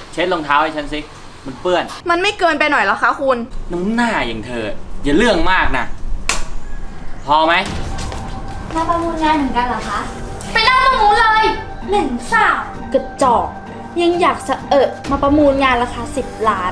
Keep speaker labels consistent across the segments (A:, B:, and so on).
A: เช็ดรองเท้าให้ฉันสิมันเปื้อน
B: มันไม่เกินไปหน่อยเหรอคะคุณ
A: น้ำหน้าอย่างเธออย่าเรื่องมากนะพอไหม
C: มาประมูลงานเหมือนกันเหรอคะไปเล่าประมูลเลยเหม็นสาบกระจอกยังอยากมาประมูลงานราคา10 ล้าน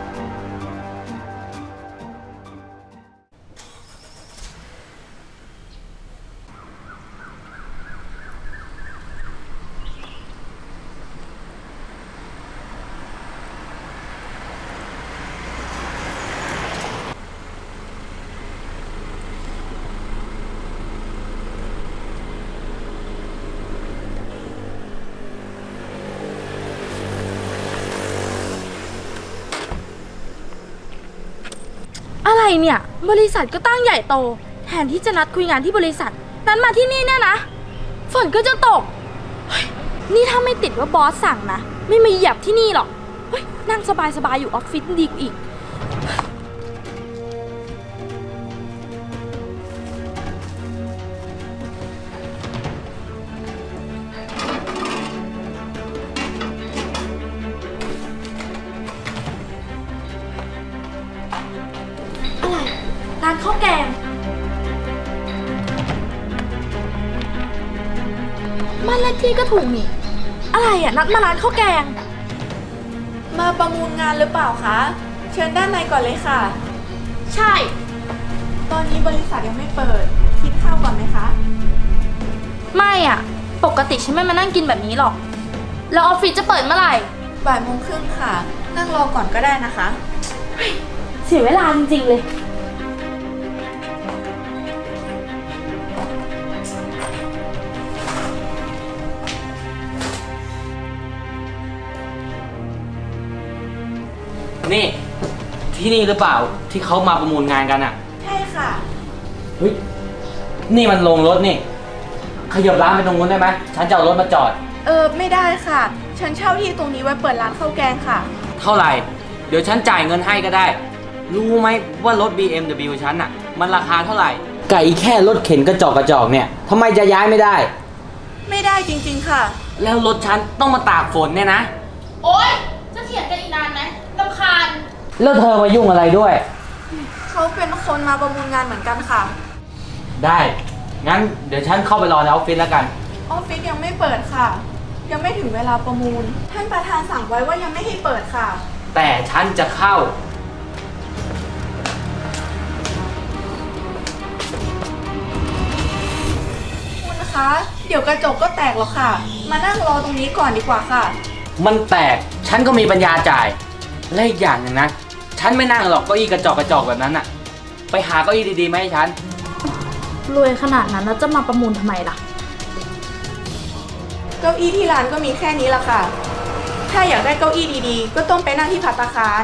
C: อะไรเนี่ยบริษัทก็ตั้งใหญ่โตแทนที่จะนัดคุยงานที่บริษัทนั้นมาที่นี่เนี่ยนะฝนก็จะตกนี่ถ้าไม่ติดว่าบอสสั่งนะไม่มาเหยียบที่นี่หรอกนั่งสบายๆอยู่ออฟฟิศดีกว่าอีกร้านข้าวแกงบ้านเลขที่ก็ถูกนี่อะไรอ่ะนัดมาร้านข้าวแกง
B: มาประมูลงานหรือเปล่าคะเชิญด้านในก่อนเลยค่ะ
C: ใช่
B: ตอนนี้บริษัทยังไม่เปิดคิดข้าวก่อนไหมคะ
C: ไม่อ่ะปกติฉันไม่มานั่งกินแบบนี้หรอกแล้วออฟฟิศจะเปิดเมื่อไหร่
B: 13:30ค่ะนั่งรอก่อนก็ได้นะคะ
C: เสียเวลาจริงๆเลย
A: นี่ที่นี่หรือเปล่าที่เขามาประมูลงานกันอ่ะ
B: ใช่ค่ะ
A: เฮ้ยนี่มันลงรถนี่ขยับร้านไปตรงนู้นได้ไหมฉันจะเอารถมาจอด
B: ไม่ได้ค่ะฉันเช่าที่ตรงนี้ไว้เปิดร้านข้าวแกงค่ะ
A: เท่าไหร่เดี๋ยวฉันจ่ายเงินให้ก็ได้รู้ไหมว่ารถ BMW ฉันอ่ะมันราคาเท่าไหร่ไก่แค่รถเข็นกระจอกเนี่ยทำไมจะย้ายไม่ได้
B: ไม่ได้จริงๆค่ะ
A: แล้วรถฉันต้องมาตากฝนเนี่ยนะ
C: โอ๊ยจะเถียงกันอีกนานไหมรำคาญ
A: แล้วเธอมายุ่งอะไรด้วย
B: เขาเป็นคนมาประมูลงานเหมือนกันค่ะ
A: ได้งั้นเดี๋ยวฉันเข้าไปรอในออฟฟิศแล้วกัน
B: ออฟฟิศยังไม่เปิดค่ะยังไม่ถึงเวลาประมูลท่านประธานสั่งไว้ว่ายังไม่ให้เปิดค่ะ
A: แต่ฉันจะเข้า
B: คุณคะเดี๋ยวกระจกก็แตกหรอกค่ะมานั่งรอตรงนี้ก่อนดีกว่าค่ะ
A: มันแตกฉันก็มีปัญญาจ่ายและอีกอย่างหนึ่งนะฉันไม่นั่งหรอกเก้าอี้กระจอกแบบนั้นอะไปหาเก้าอี้ดีๆมาให้ฉัน
C: รวยขนาดนั้นแล้วจะมาประมูลทำไมล่ะ
B: เก้าอี้ที่ร้านก็มีแค่นี้ละค่ะถ้าอยากได้เก้าอี้ดีๆก็ต้องไปนั่งที่ภัตตาคาร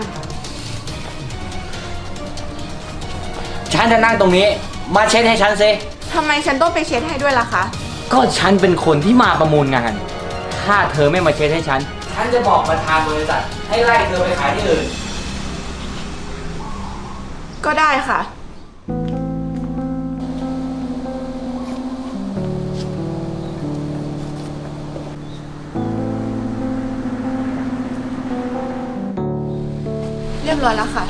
A: ฉันจะนั่งตรงนี้มาเช็ดให้ฉันสิ
B: ทำไมฉันต้องไปเช็ดให้ด้วยล่ะคะ
A: ก็ฉันเป็นคนที่มาประมูลงานถ้าเธอไม่มาเช็ดให้ฉันจะบอกประธานบริษัทให้ไล่เธอไปขายที่อื่น
B: ก็ได้ค่ะเรียบร้อยแล้วค่ะ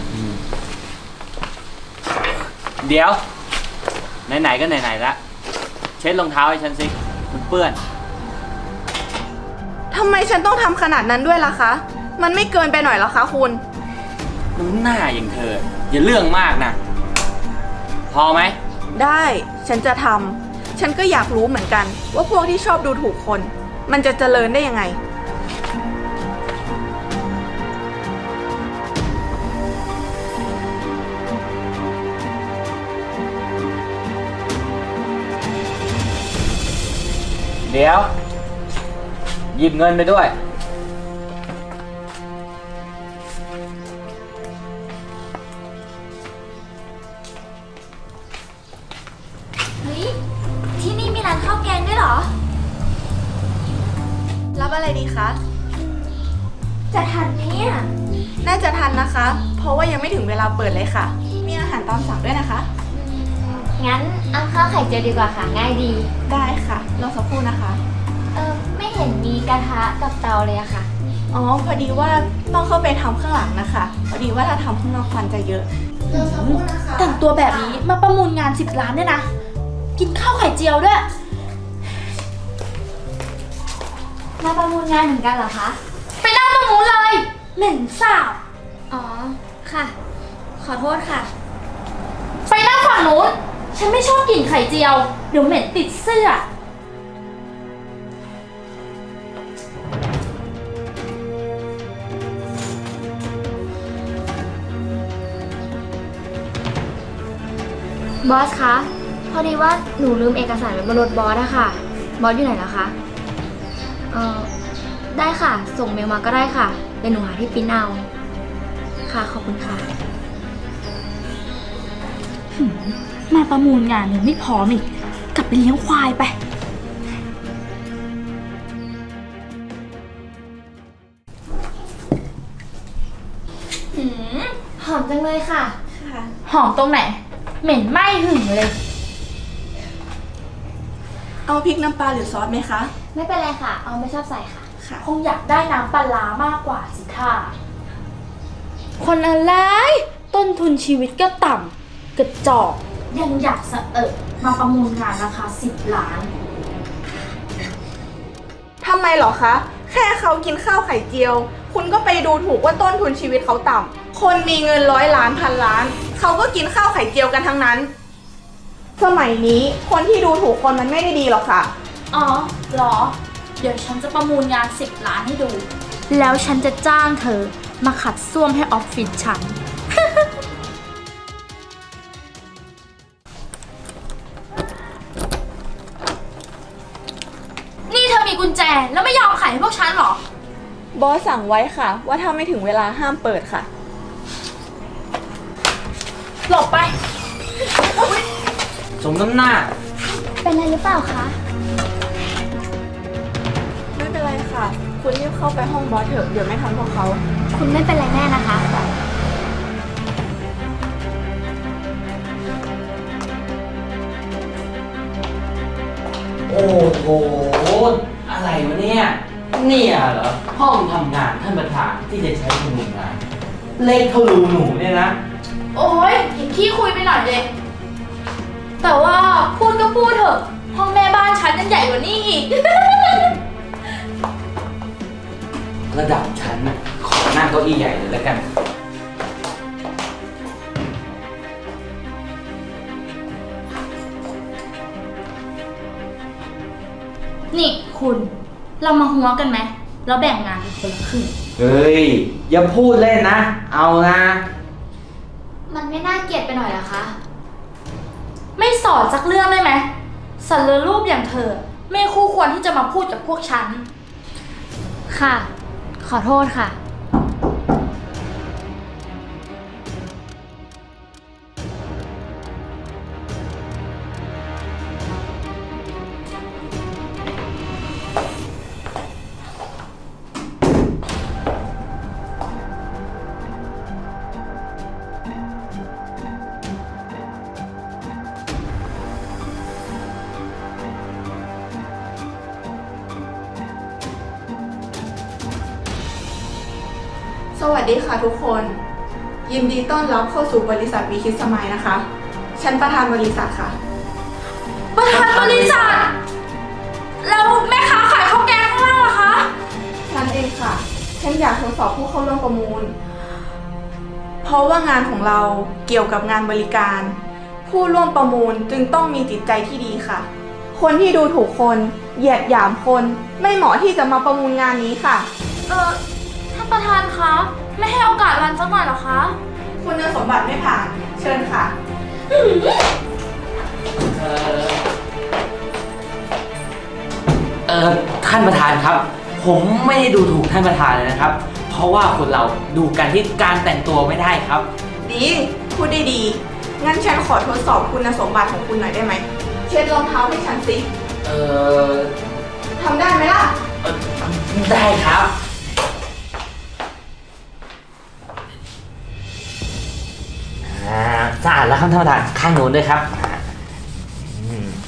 A: เดี๋ยวไหนๆก็ไหนๆละเช็ดรองเท้าให้ฉันสิมันเปื้อน
B: ทำไมฉันต้องทำขนาดนั้นด้วยล่ะคะมันไม่เกินไปหน่อยเหรอคะคุณ
A: น้ำหน้าอย่างเธออย่าเรื่องมากนะพอไหม
B: ได้ฉันจะทำฉันก็อยากรู้เหมือนกันว่าพวกที่ชอบดูถูกคนมันจะเจริญได้ยังไง
A: เดี๋ยวหยิบเงินไปด้วย
C: เฮ้ยที่นี่มีร้านข้าวแกงด้วยเหรอ
B: รับอะไรดีคะ
C: จะทันไหมเนี่ย
B: น่าจะทันนะคะเพราะว่ายังไม่ถึงเวลาเปิดเลยค่ะมีอาหารตามสั่งด้วยนะคะ
C: งั้นเอาข้าวไข่เจียวดีกว่าค่ะง่ายดี
B: ได้ค่ะรอสักครู่นะคะ
C: ไม่เห็นมีกระทะกับเตาเลยอะค่ะ
B: อ๋อ พอดีว่าต้องเข้าไปทำข้างหลังนะคะ พอดีว่าถ้าทำข้างนอกควันจะเยอะรอสักครู่นะคะ
C: แต่งตัวแบบนี้มาประมูลงาน10 ล้านเนี่ยนะ กินข้าวไข่เจียวด้วย
D: มาประมูลงานเหมือนกันเหรอคะ
C: ไปนั่งตรงนู้นเลย เหม็นสาบ
D: อ๋อ ค่ะ ขอโทษค่ะ
C: ไปนั่งฝั่งนู้น ฉันไม่ชอบกลิ่นไข่เจียว เดี๋ยวเหม็นติดเสื้อ
D: บอสคะ พอดีว่าหนูลืมเอกสารไว้บนรถบอสอะค่ะ บอสอยู่ไหนแล้วคะ ได้ค่ะ ส่งเมลมาก็ได้ค่ะ เดี๋ยวหนูหาที่ปริ้นเอา ค่ะ ขอบคุณค่ะ
C: มาประมูลงานยังไม่พร้อมอีก กลับไปเลี้ยงควายไป
D: หอมจังเลยค่ะ
B: ค่ะ
C: หอมตรงไหน เหม็นไหม้หึ่งเลย
B: เอาพริกน้ำปลาหรือซอสไหมคะ
D: ไม่เป็นไรค่ะ เอาไม่ชอบใส่ค่ะ
B: ค่ะ
C: คงอยากได้น้ำปลาร้ามากกว่าสิค่ะ คนอะไร ต้นทุนชีวิตก็ต่ำกระจอกยังอยากสะมาประมูลงานราคา10 ล้าน
B: ทำไมเหรอคะ แค่เขากินข้าวไข่เจียว คุณก็ไปดูถูกว่าต้นทุนชีวิตเขาต่ำ คนมีเงิน100 ล้านพันล้าน เขาก็กินข้าวไข่เจียวกันทั้งนั้น สมัยนี้คนที่ดูถูกคนมันไม่ได้ดีหรอกค่ะ
C: อ๋อเหรอ เดี๋ยวฉันจะประมูลงาน10 ล้านให้ดู แล้วฉันจะจ้างเธอมาขัดส้วมให้ออฟฟิศฉัน นี่เธอมีกุญแจแล้วไม่ยอมขายให้พวกฉันเหรอ
B: บอสสั่งไว้ค่ะ ว่าถ้าไม่ถึงเวลาห้ามเปิดค่ะ
C: หลบไป
A: สมน้ำหน้า
D: เป็นอะไรหรือเปล่าคะ
B: ไม่เป็นไรค่ะ คุณรีบเข้าไปห้องบอสเถอะ เดี๋ยวไม่ทันพวกเขา
D: คุณไม่เป็นไรแน่นะคะ
A: โอ้โห อะไรวะเนี่ย เนี่ยเหรอ ห้องทำงานท่านประธานที่จะใช้ประมูลงาน เล็กเท่ารูหนูเนี่ยนะ
C: โอ้ยอย่าขี้คุยไปหน่อยเลยแต่ว่าพูดก็พูดเถอะ ห้องแม่บ้านฉันยังใหญ่กว่านี้อีก
A: ระดับฉันน่ะขอนั่งเก้าอี้ใหญ่เลยแล้วกัน
C: นี่คุณ เรามาหัวกันไหมแล้วแบ่งงานเป็นคนละครึ่ง
A: เฮ้ย อย่าพูดเล่นนะ เอานะ
D: มันไม่น่าเกลียดไปหน่อยเหรอคะ
C: ไม่สอนสักเรื่องได้ไหมสันเลอรูปอย่างเธอ ไม่คู่ควรที่จะมาพูดกับพวกฉัน
D: ค่ะ ขอโทษค่ะ
B: สวัสดีค่ะทุกคน ยินดีต้อนรับเข้าสู่บริษัทวีคิดสมัยนะคะ ฉันประธานบริษัทค่ะ
C: ประธานบริษัท แล้วแม่ค้าขายข้าวแกงข้างล่างล่ะคะ
B: ฉันเองค่ะ ฉันอยากทดสอบผู้เข้าร่วมประมูล เพราะว่างานของเราเกี่ยวกับงานบริการ ผู้ร่วมประมูลจึงต้องมีจิตใจที่ดีค่ะ คนที่ดูถูกคนเหยียดหยามคน ไม่เหมาะที่จะมาประมูลงานนี้ค่ะ
C: ท่านประธานคะ ไม่ให้โอกาสรันสักหน่อยเหรอคะ
B: คุณสมบัติไม่ผ่าน เชิญค่ะ
A: ท่านประธานครับ ผมไม่ได้ดูถูกท่านประธานเลยนะครับ เพราะว่าคนเราดูกันที่การแต่งตัวไม่ได้ครับ
B: ดี พูดได้ดี งั้นฉันขอทดสอบคุณสมบัติของคุณหน่อยได้ไหม เช็ดรองเท้าให้ฉันสิ
A: เออ
B: ทำได้ไหมล่ะ
A: ได้ครับสะอาดแล้วครับท่านประธานข้างโน้นด้วยครับ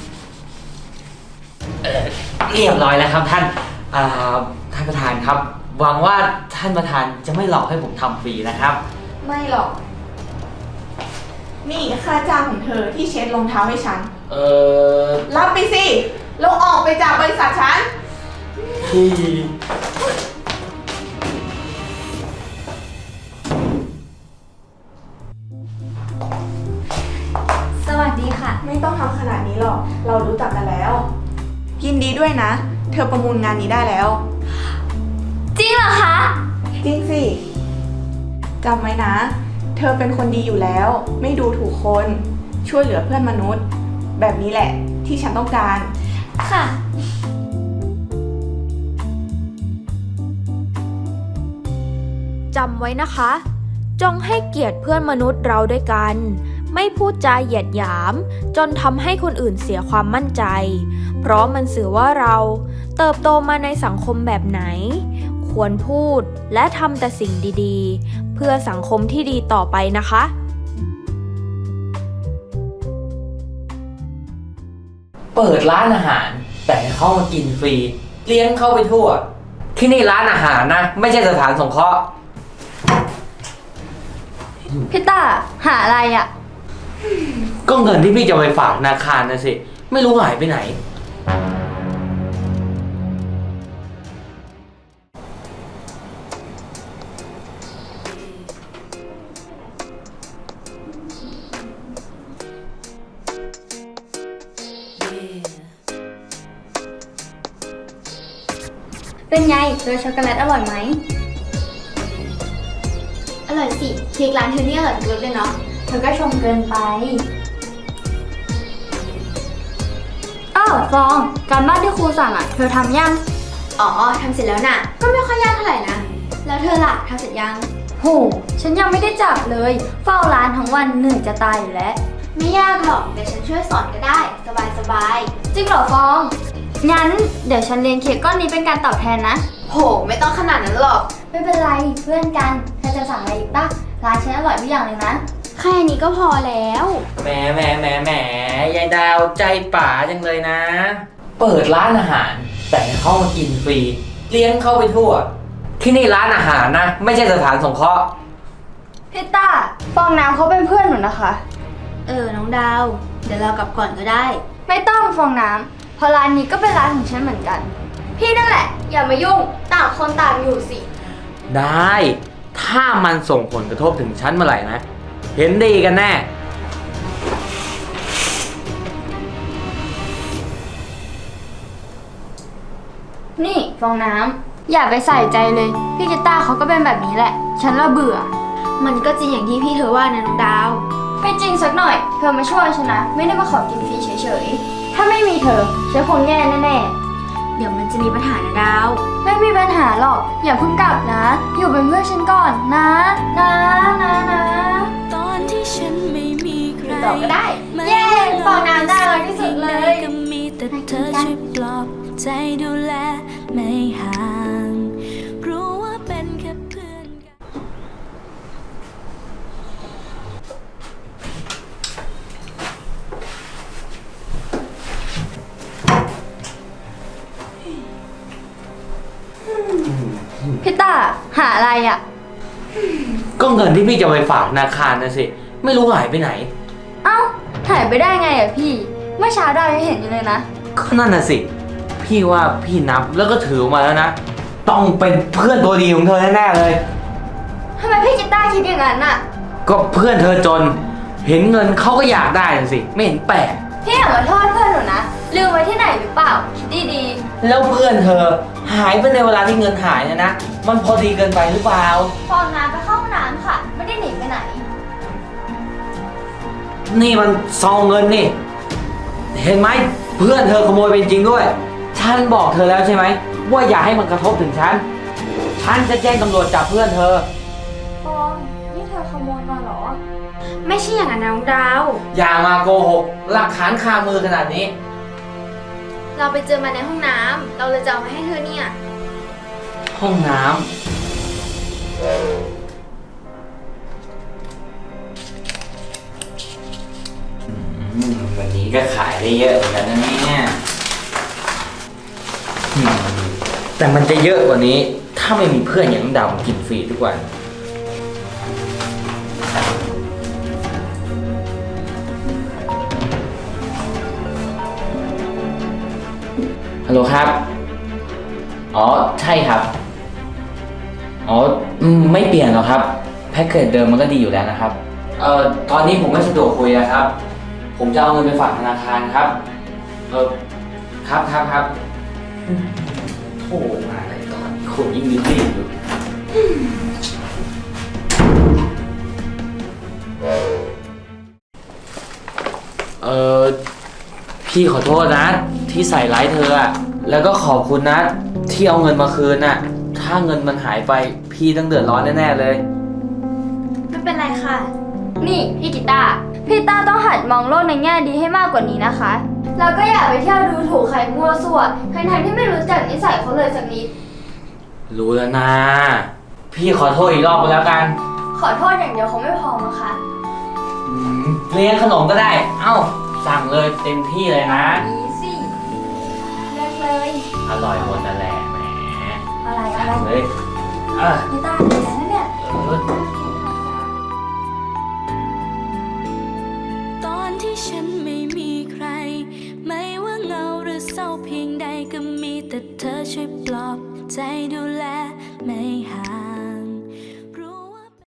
A: เรียบร้อยแล้วครับท่านท่านประธานครับหวังว่าท่านประธานจะไม่หลอกให้ผมทำฟรีนะครับ
B: ไม่หรอก นี่ค่าจ้างของเธอที่เช็ดรองเท้าให้ฉัน รับไปสิแล้วออกไปจากบริษัทฉัน
A: พี่
D: สวัสดีค่ะ
B: ไม่ต้องทำขนาดนี้หรอก เรารู้จักกันแล้ว ยินดีด้วยนะ เธอประมูลงานนี้ได้แล้ว
D: จริงเหรอคะ
B: จริงสิจำไว้นะ เธอเป็นคนดีอยู่แล้ว ไม่ดูถูกคน ช่วยเหลือเพื่อนมนุษย์ แบบนี้แหละที่ฉันต้องการ
D: ค่ะ
E: จำไว้นะคะ จงให้เกียรติเพื่อนมนุษย์เราด้วยกัน ไม่พูดจาเหยียดหยาม จนทำให้คนอื่นเสียความมั่นใจ เพราะมันสื่อว่าเราเติบโตมาในสังคมแบบไหน ควรพูดและทำแต่สิ่งดีๆ เพื่อสังคมที่ดีต่อไปนะคะ
A: เปิดร้านอาหาร แต่ให้เข้ามากินฟรี เลี้ยงเข้าไปทั่ว ที่นี่ร้านอาหารนะ ไม่ใช่สถานสงเคราะห์
D: พี่ต้าหาอะไรอะ
A: ก็เงินที่พี่จะไปฝากธนาคารนะสิ ไม่รู้หายไปไหน
D: เป็นไงเจอช็อกโกแลตอร่อยไหม อร่อยสิเค้กร้านเธอเนี่ยอร่อยทุกรสเลยเนาะ เธอก็ชมเกินไป อ้าวฟอง การบ้านที่ครูสั่งอ่ะ เธอทำยัง อ๋อทำเสร็จแล้วน่ะ ก็ไม่ค่อยยากเท่าไหร่นะ แล้วเธอล่ะทำเสร็จยัง โห ฉันยังไม่ได้จับเลย เฝ้าร้านทั้งวันเหนื่อยจะตายอยู่แล้ว ไม่ยากหรอก เดี๋ยวฉันช่วยสอนก็ได้ สบายๆ จริงเหรอฟอง งั้นเดี๋ยวฉันเลี้ยงเค้กก้อนนี้เป็นการตอบแทนนะ โห ไม่ต้องขนาดนั้นหรอก ไม่เป็นไรเพื่อนกันเธอจะสั่งอะไรอีกปะร้านฉันอร่อยทุกอย่างเลยนะ แค่นี้ก็พอแล้ว
A: แหมยายดาวใจป๋าจังเลยนะ เปิดร้านอาหาร แต่ให้เข้ามากินฟรี เลี้ยงเข้าไปทั่ว ที่นี่ร้านอาหารนะ ไม่ใช่สถานสงเคราะห์
D: พี่ต้าฟองน้ำเขาเป็นเพื่อนหนูนะคะ น้องดาว เดี๋ยวเรากลับก่อนก็ได้ ไม่ต้องฟองน้ำเพราะร้านนี้ก็เป็นร้านของฉันเหมือนกัน พี่นั่นแหละ อย่ามายุ่งต่างคนต่างอยู่สิ
A: ได้ ถ้ามันส่งผลกระทบถึงฉันเมื่อไหร่นะ เห็นดีกันแน่
D: นี่ฟองน้ำอย่าไปใส่ใจเลย พี่กีต้าร์เขาก็เป็นแบบนี้แหละ ฉันละเบื่อ มันก็จริงอย่างที่พี่เธอว่านะน้องดาว ไม่จริงสักหน่อย เธอมาช่วยฉันนะ ไม่ได้มาขอกินฟรีเฉยๆ ถ้าไม่มีเธอฉันคงแย่แน่ๆ เดี๋ยวมันจะมีปัญหานะดาว ไม่มีปัญหาหรอก อย่าเพิ่งกลับนะ อยู่เป็นเพื่อนฉันก่อนนะ นะ
F: ตอนที่ฉันไม่มีใคร
D: ต่อก็ได้ เย้ฟองน้ำได้เลยที่สุดเลย
F: ก็มีแต่เธอช่วยปลอบใจดูแลไม่ห่างรู้ว่าเป็นแค่เพื่อนกัน
D: พี่ต้าหาอะไรอ่ะ
A: ก็เงินที่พี่จะไปฝากธนาคารนะสิ ไม่รู้หายไปไหน
D: เอ้าหายไปได้ไงอ่ะพี่ เมื่อเช้าดาวยังเห็นอยู่เลยนะ
A: ก็นั่นน่ะสิ พี่ว่าพี่นับแล้วก็ถือออกมาแล้วนะ ต้องเป็นเพื่อนตัวดีของเธอแน่ๆเลย
D: ทำไมพี่กีต้าร์คิดอย่างนั้นอ่ะ
A: ก็เพื่อนเธอจน เห็นเงินเขาก็อยากได้น่ะสิ ไม่เห็นแปลก
D: พี่อย่ามาโทษเพื่อนหนูนะ ลืมไว้ที่ไหนหรือเปล่า คิดดี
A: แล้วเพื่อนเธอหายไปในเวลาที่เงินหายเนี่ยนะ มันพอดีเกินไปหรือเปล่า
D: ๆฟองน้ำไปเข้าห้องน้ำค่ะ ไม่ได้หนีไปไหน
A: นี่มันซองเงินนี่ เห็นไหมเพื่อนเธอขโมยไปจริงด้วย ฉันบอกเธอแล้วใช่ไหมว่าอย่าให้มันกระทบถึงฉัน ฉันจะแจ้งตำรวจจับเพื่อนเธอ
D: ฟอง นี่เธอขโมยมาเหรอ ไม่ใช่อย่างนั้นนะน้องดาว
A: อย่ามาโกหก หลักฐานคามือขนาดนี้
D: เราไปเจอมาในห้องน้ำ เราเลยจะเอามาให้เธอเนี่ย
A: ห้องน้ำวันนี้ก็ขายได้เยอะเหมือนกันนะเนี่ยแต่มันจะเยอะกว่านี้ ถ้ถ้าไม่มีเพื่อนอย่างน้องดาวมากินฟรีทุกวัน ฮัลโหลครับ อ๋อ ใช่ครับ อ๋อ ไม่เปลี่ยนหรอกครับ แพ็กเกจเดิมมันก็ดีอยู่แล้วนะครับ ตอนนี้ผมไม่สะดวกคุยนะครับ ผมจะเอาเงินไปฝากธนาคารครับ ครับโอ้มาอะไรตอนนี้คนยิ่งรีบอยู่พี่ขอโทษนะ ที่ใส่ร้ายเธออะแล้วก็ขอบคุณนะ ที่เอาเงินมาคืนน่ะ ถ้าเงินมันหายไปพี่ต้องเดือดร้อนแน่ๆเลย
D: ไม่เป็นไรค่ะ นี่พี่กีตาร์พี่ต้าต้องหัดมองโลกในแง่ดีให้มากกว่านี้นะคะ แล้วก็อย่าไปเที่ยวดูถูกใครมั่วซั่วทั้งๆที่ไม่รู้จักนิสัยเขาเลยสักนิด
A: รู้แล้วนะ พี่ขอโทษอีกรอบก็แล้วกัน
D: ขอโทษอย่างเดียวคงไม่พอมั้งคะ
A: เลี้ยงขนมก็ได้ เอ้า สั่งเลยเต็มที่เลยนะ
D: อีซี่เลือกเลย
A: อร่อยหมดนั่นแหละแหม
D: อะไร
A: เลยเออ
D: พี่ต้าดีนะเนี่ย
F: ตอนที่ฉันไม่มีใคร ไม่ว่าเหงาหรือเศร้าเพียงใดก็มีแต่เธอช่วยปลอบใจดูแลไม่ห่าง